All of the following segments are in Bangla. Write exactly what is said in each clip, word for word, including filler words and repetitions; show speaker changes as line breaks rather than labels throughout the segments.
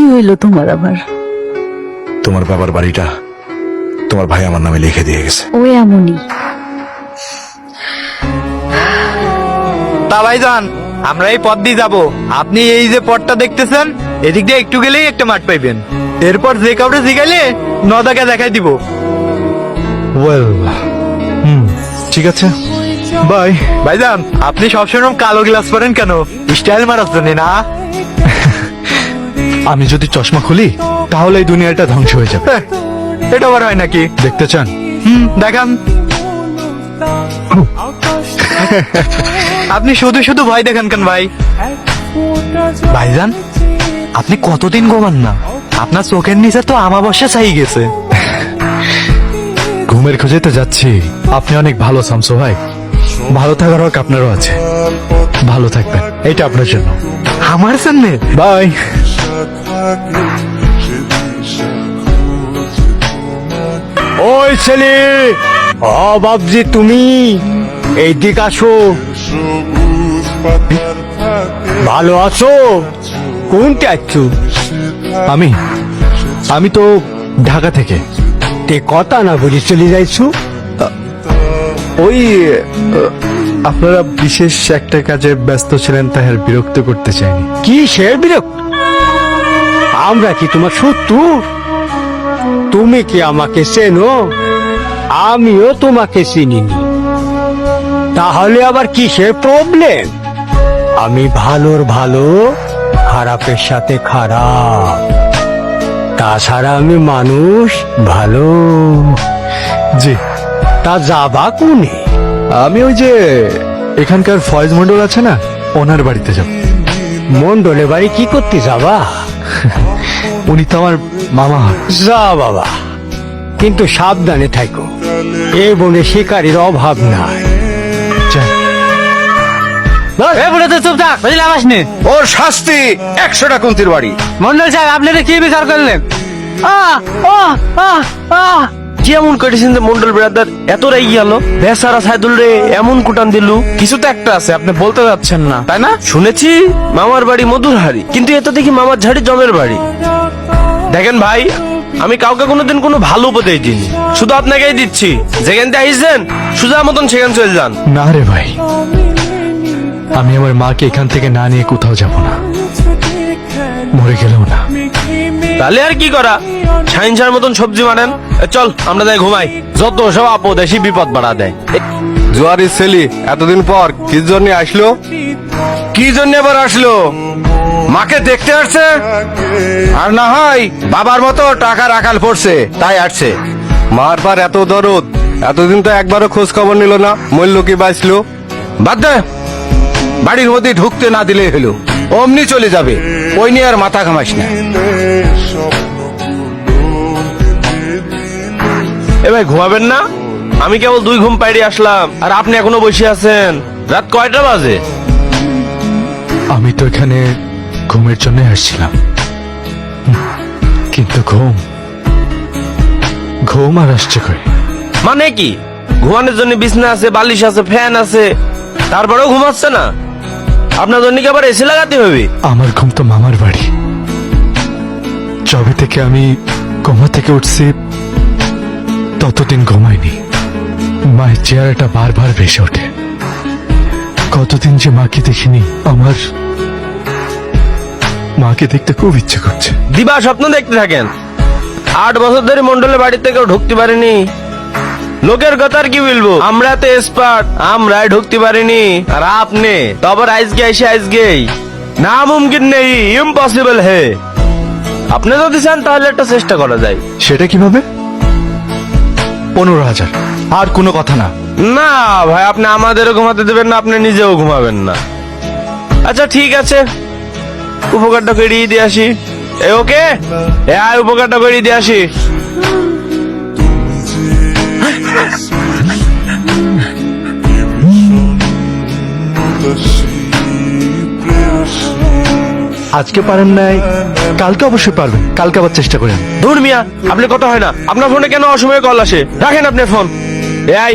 কি হইলো তোমার আবার?
তোমার বাবার বাড়িটা তোমার ভাই আমার নামে লিখে দিয়ে গেছে।
ও এমনই।
তা ভাইজান, আমরা এই পথ দিয়ে যাবো। আপনি এই যে পথটা দেখতেছেন, এদিক দিয়ে একটু গেলেই একটা মাঠ পাইবেন। এরপর যে কাউরে জিগাইলে নদাকে দেখাই দিব।
ওয়েল, হুম, ঠিক আছে, বাই।
ভাইজান, আপনি সবসময় কালো গ্লাস পরেন কেন? স্টাইল মারার জন্য না?
আমি যদি চশমা খুলি তাহলে এই দুনিয়াটা ধ্বংস হয়ে যাবে।
হ্যাঁ, এটা আবার হয় নাকি?
দেখতে চান?
হুম, দেখান। আপনি শুধু শুধু ভয় দেখান কেন ভাই? ভাইজান, আপনি কতদিন ঘুমান না? আপনার চোখের নিচে তো আমাবস্যা ছাই গেছে।
ঘুমের খোঁজে তো যাচ্ছি। আপনি অনেক ভালো শামসু ভাই। ভালো থাকার হক আপনারও আছে। ভালো থাকবেন, এইটা আপনার জন্য।
আমার সামনে
বাই।
ওই ছেলে, ও বাবজি, তুমি এইদিক আসো। ভালো আছো? কোনটা আছো?
আমি আমি তো ঢাকা থেকে।
তে কথা না বুঝে চলে যাইছো?
ওই আপনারা বিশেষ একটা কাজে ব্যস্ত ছিলেন, তাই আর বিরক্ত করতে চাইনি।
কি সে বিরক্ত? আমরা কি তোমার শত্রু? তুমি কি আমাকে চেনো? আমিও তোমাকে চিনিনি। তাহলে আবার কিসের প্রবলেম? আমি ভালোর ভালো, খারাপের সাথে খারাপ। তাছাড়া আমি মানুষ ভালো।
জি,
তা যাবা কোনে?
আমি ওই যে এখানকার ফয়েজ মন্ডল আছে না, ওনার বাড়িতে যাব।
মন্ডলে বাড়ি কি করতে যাবা?
উনি তো আমার মামা হয়।
যা বাবা, কিন্তু সাবধানে থাকো। এ বনে শিকারীর অভাব নাই।
যান।
চুপ থাক, বুঝলে আবাস নে।
ওর শাস্তি একশোটা কুন্তির বাড়ি।
মন্ডল সাহেব, আপনারা কি বিচার করলেন? আহ, আহ, আহ, আহ।
কেমন করেছেন যে মন্ডল ব্রাদার এত রেগে গেল? বেচারা সাইদুল রে এমন কুটান দিলু। কিছু তো একটা আছে, আপনি বলতে যাচ্ছেন না, তাই না? শুনেছি মামার বাড়ি মধুরহারি, কিন্তু এত দেখি মামার ঝাড়ি জমের বাড়ি। দেখেন ভাই, আমি কাউকে কোনোদিন কোনো ভালো উপদেশ দিইনি, শুধু আপনাকেই দিচ্ছি। যেখান থেকে আইসেন সুজা মতন সেখান চলে যান।
না রে ভাই, আমি আমার মাকে এখান থেকে না নিয়ে কোথাও যাব না, মরে গেলেও না।
তাহলে আর কি করা? সাইন্সার মতন সবজি মানেন। এ চল আমরা যাই ঘুমাই, যত সব আপদ এসে বিপদ বাড়া দেয়।
জোয়ারি ছেলি এতদিন পর কি জন্য আসলো?
কি জন্য এবার আসলো? মাকে দেখতে আসছে, আর না হয় বাবার মতো টাকা রাখাল পড়ছে তাই আসছে।
মার পার এত দরদ, এতদিন তো একবারও খোঁজ খবর নিল না, মূল্য কি বাঁচলো?
বাদ দে, বাড়ির মধ্যে ঢুকতে না দিলেই হলো, অমনি চলে যাবে। ওই নিয়ে আর মাথা ঘামাস না। এ ভাই, ঘুমাবেন না? আমি কেবল দুই ঘুম পাইড়ে আসলাম, আর আপনি এখনো বসে আছেন। রাত কয়টা বাজে?
আমি তো এখানে ঘুমের জন্য আসছিলাম, হুম, কিন্তু ঘুম ঘুম আর আসছে করে।
মানে কি? ঘুমানোর জন্য বিছনা আছে, বালিশ আছে, ফ্যান আছে, তারপরেও ঘুমাচ্ছে না? আপনার জন্য কি আবার এসি লাগাতে হবে?
আমার ঘুম তো মামার বাড়ি। যবে থেকে আমি কোমা থেকে উঠছি ততদিন ঘুমাইনি। মায়ের চেহারাটা বারবার ভেসে ওঠে। কতদিন যে মাকে দেখিনি, আমার মাকে দেখতে খুব ইচ্ছে করছে।
দিবা স্বপ্ন দেখতে থাকেন। আট বছর ধরে মন্ডলের বাড়িতে কেউ ঢুকতে পারেনি। লোকের কথা আর কি বলবো, আমরা তো এক্সপার্ট, আমরাই ঢুকতে পারিনি। আর আপনি তো আবার আজকে এসে আজকেই না মুমকিন নেই, ইম্পসিবল হে। আপনি যদি চান তাহলে একটা চেষ্টা করা যায়।
সেটা কিভাবে? পনেরো হাজার, আর কোনো কথা না।
না ভাই, আপনি আমাদেরও ঘুমাতে দেবেন না, আপনি নিজেও ঘুমাবেন না। আচ্ছা ঠিক আছে, উপকারটা করিয়ে দিয়ে আসি। এ ওকে, এ আয় উপকারটা করিয়ে দিয়ে আসি।
আজকে পারেন নাই, কালকে অবশ্যই পারবেন। কালকে আবার চেষ্টা করেন।
ধুর মিয়া, আপনি কথা হয় না। আপনার ফোনে কেন অসময়ে কল আসে? রাখেন আপনার ফোন। এ আই,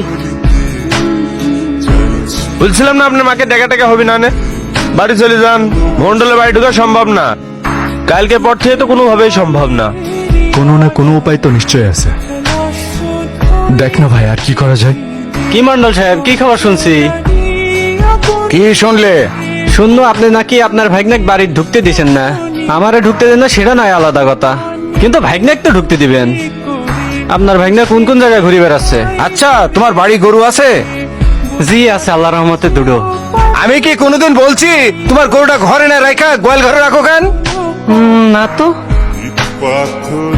বলছিলাম না আপনার মাকে দেখা টেকা হবে না নে? বাড়ি চলে যান, মন্ডলের বাড়ি ঢোকা সম্ভব না। কালকে পর থেকে তো কোনোভাবেই সম্ভব না।
কোনো না কোনো উপায় তো নিশ্চয়ই আছে। দেখ না ভাই, আর কি করা যায়?
কি মন্ডল সাহেব, কি খবর শুনছি?
কি শুনলে?
শুনলো আপনি নাকি আপনার ভাইগনাক বাড়ি ঢুকতে দিছেন না। আমারে ঢুকতে দেন না সেটা নয় আলাদা কথা, কিন্তু ভাইগনাক তো ঢুকতে দিবেন। আপনার ভাইগনা কোন কোন জায়গায় ঘুরে বেড়াচ্ছে?
আচ্ছা, তোমার বাড়ি গরু আছে?
জি আছে, আল্লাহ রহমতে দুটো।
আমি কি কোনোদিন বলছি তোমার গরুটা ঘরে না রাখা গোয়াল ঘরে রাখো কেন?
উম, না তো।
পাথর